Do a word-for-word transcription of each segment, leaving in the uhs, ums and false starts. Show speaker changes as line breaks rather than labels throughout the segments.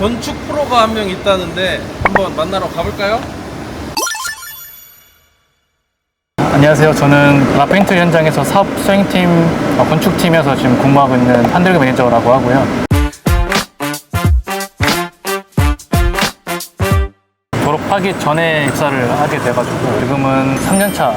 건축 프로가 한 명 있다는데 한번 만나러 가볼까요?
안녕하세요. 저는 라페인트 현장에서 사업 수행팀, 어, 건축팀에서 지금 근무하고 있는 한들기 매니저라고 하고요. 졸업하기 전에 입사를 하게 돼가지고 지금은 삼 년 차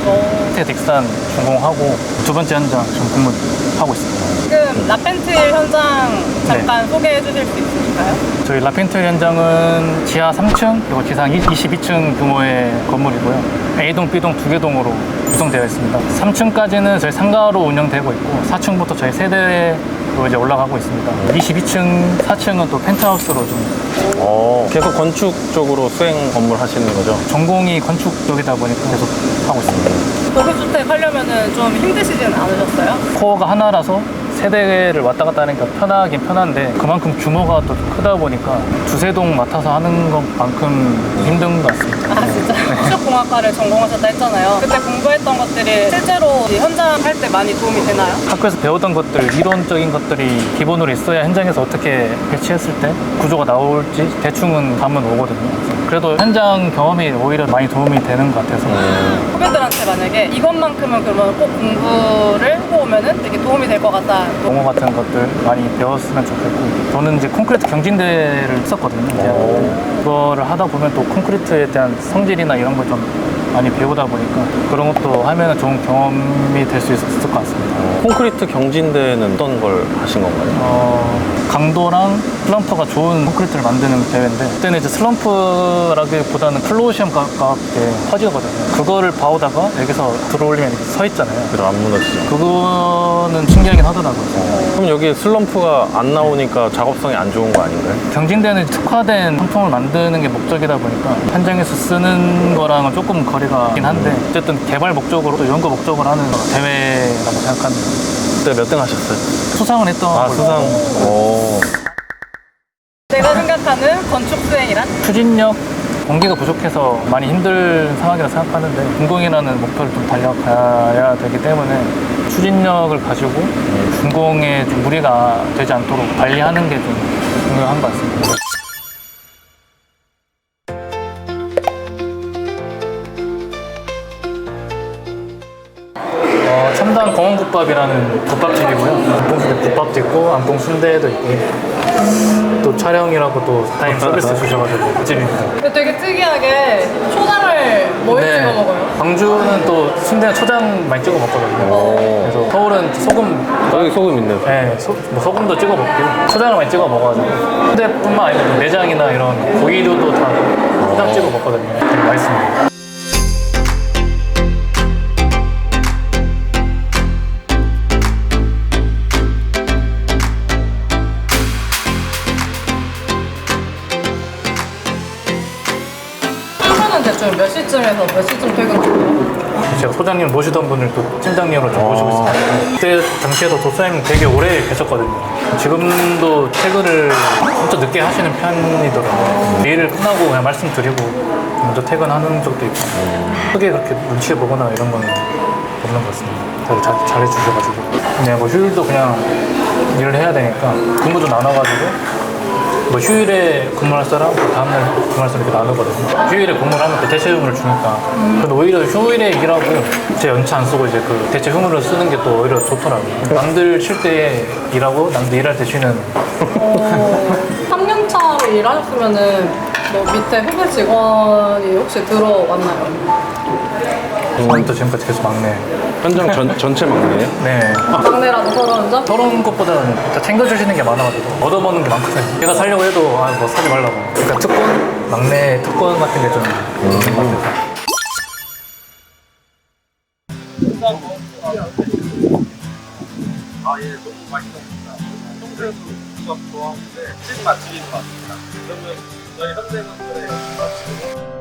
텍산 전공하고 두 번째 현장 지금 근무하고 있습니다.
지금 라펜틸 현장 잠깐 네. 소개해 주실 수 있으실까요?
저희 라펜틸 현장은 지하 삼 층 그리고 지상 이십이 층 규모의 건물이고요. A동, B동 두 개 동으로 구성되어 있습니다. 삼 층까지는 저희 상가로 운영되고 있고 사 층부터 저희 세대로 이제 올라가고 있습니다. 이십이 층, 사 층은 또 펜트하우스로 좀
어, 계속 건축 쪽으로 수행 업무를 하시는 거죠?
전공이 건축 쪽이다 보니까 계속 하고 있습니다.
고급주택 하려면 좀 힘드시지는 않으셨어요?
코어가 하나라서 세대를 왔다 갔다 하니까 편하긴 편한데 그만큼 규모가 또 크다 보니까 두세 동 맡아서 하는 것만큼 힘든 것 같습니다.
아 진짜? 건축공학과를 전공하셨다 했잖아요. 그때 공부했던 것들이 실제로 현장 할 때 많이 도움이 되나요?
학교에서 배우던 것들, 이론적인 것들이 기본으로 있어야 현장에서 어떻게 배치했을 때 구조가 나올지 대충은 감은 오거든요. 그래도 현장 경험이 오히려 많이 도움이 되는 것 같아서
후배들한테 만약에 이것만큼은 그러면 꼭 공부를 해보면은 되게 도움이 될 것 같다.
용어 같은 것들 많이 배웠으면 좋겠고 저는 이제 콘크리트 경진대를 했었거든요. 그거를 하다 보면 또 콘크리트에 대한 성질이나 이런 걸 좀 많이 배우다 보니까 그런 것도 하면 좋은 경험이 될 수 있었을 것 같습니다.
콘크리트 경진대는 어떤 걸 하신 건가요?
어, 강도랑 슬럼프가 좋은 콘크리트를 만드는 대회인데 그때는 이제 슬럼프라기보다는 플로우시엄 가깝게 퍼지거든요. 그거를 봐오다가 여기서 들어올리면 이렇게 서 있잖아요.
그럼 안 무너지죠.
그거는 신기하긴 하더라고요.
그럼 여기 슬럼프가 안 나오니까 작업성이 안 좋은 거 아닌가요?
경진대는 특화된 상품을 만드는 게 목적이다 보니까 현장에서 쓰는 거랑은 조금 거리가 있긴 한데 어쨌든 개발 목적으로 또 연구 목적으로 하는 대회라고 생각합니다.
그때 몇 등 하셨어요?
수상을 했던
아,
걸로.
수상. 오.
내가 생각하는 건축 수행이란?
추진력, 공기가 부족해서 많이 힘든 상황이라 생각하는데 준공이라는 목표를 좀 달려가야 되기 때문에 추진력을 가지고 준공에 좀 무리가 되지 않도록 관리하는 게 좀 중요한 것 같습니다. 어, 첨단 공원국밥이라는 국밥집이고요. 안봉순대 국밥도 있고 안봉 순대도 있고 또 촬영이라고 또 타임 서비스 주셔가지고 그 집입니다.
근데 되게 특이하게 초장을 뭐에 찍어 먹어요?
광주는 또 순대는 초장 많이 찍어 먹거든요. 그래서 서울은 소금,
여기 소금 있네.
네, 소, 뭐 소금도 찍어 먹고 초장을 많이 찍어 먹어가지고 순대뿐만 아니라 또 내장이나 이런 고기류도 다 초장 찍어 먹거든요. 되게 맛있습니다.
대충 몇 시쯤에서 몇 시쯤 퇴근하세요?
제가 소장님 모시던 분을 또 팀장님으로 좀 모시고 있습니다. 그때 당시에도 도사님 되게 오래 계셨거든요. 지금도 퇴근을 엄청 늦게 하시는 편이더라고요. 일을 끝나고 그냥 말씀드리고 먼저 퇴근하는 적도 있고 크게 그렇게 눈치 보거나 이런 건 없는 것 같습니다. 되게 잘, 잘해주셔가지고 그냥 뭐 휴일도 그냥 일을 해야 되니까 근무도 나눠가지고 뭐 휴일에 근무할 사람, 다음날 근무할 사람 이렇게 나누거든요. 휴일에 근무를 하면 그 대체 휴무를 주니까. 근데 오히려 휴일에 일하고 제 연차 안 쓰고 이제 그 대체 휴무를 쓰는 게 또 오히려 좋더라고요. 남들 쉴 때 일하고 남들 일할 때 쉬는.
삼 년 차로 일하셨으면은 뭐 밑에 후배 직원이 혹시 들어왔나요?
처음부터 지금까지 계속 막내.
현장 전, 전체 막내예요?
네.
막내라도 서러운 점?
서러운 것보다는 다 챙겨주시는 게 많아가지고 얻어먹는 게 많거든요. 제가 살려고 해도 아, 뭐 사지 말라고. 그러니까 특권? 막내 특권 같은 게 좀 있는 것 같아서.
아, 예, 너무 맛있었습니다. 평소에도 국밥 좋아하는데 찐 맛집인 것 같습니다. 그러면 저희 현대건설의 국밥집으로